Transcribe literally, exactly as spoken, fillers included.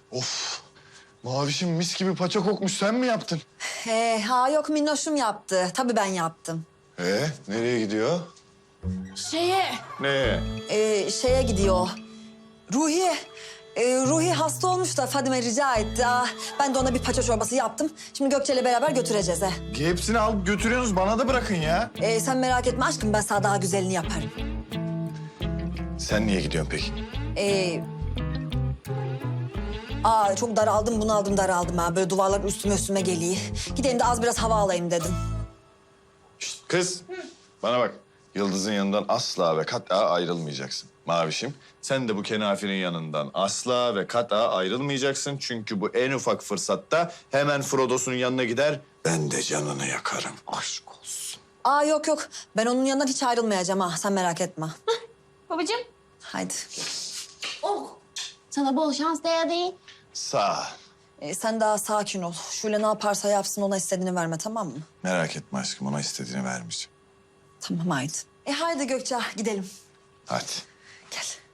Of. Mavişim mis gibi paça kokmuş. Sen mi yaptın? Ee, ha yok minnoşum yaptı. Tabii ben yaptım. Ee, nereye gidiyor? Şeye, Ne? e, şeye gidiyor. Ruhi, e, Ruhi hasta olmuş da Fadime rica etti. Aa, ben de ona bir paça çorbası yaptım. Şimdi Gökçe'yle beraber götüreceğiz he. Hepsini alıp götürüyorsunuz. Bana da bırakın ya. Ee, sen merak etme aşkım, ben sana daha güzelini yaparım. Sen niye gidiyorsun peki? Ee, aa, çok daraldım, bunaldım, daraldım ha. Böyle duvarlar üstüme üstüme geliyor. Gideyim de az biraz hava alayım dedim. Şişt, kız. Bana bak. Yıldız'ın yanından asla ve kat'a ayrılmayacaksın. Mavişim, sen de bu kenafinin yanından asla ve kat'a ayrılmayacaksın. Çünkü bu en ufak fırsatta hemen Frodo'sun yanına gider. Ben de canını yakarım. Aşk olsun. Aa yok yok, ben onun yanından hiç ayrılmayacağım ha. Sen merak etme. Babacığım. Haydi. Oh. Sana bol şans Deya değil. Sağ ol. Ee, sen daha sakin ol. Şöyle ne yaparsa yapsın, ona istediğini verme, tamam mı? Merak etme aşkım, ona istediğini vermeyeceğim. Tamam haydi. E haydi Gökçe, gidelim. Hadi. Gel.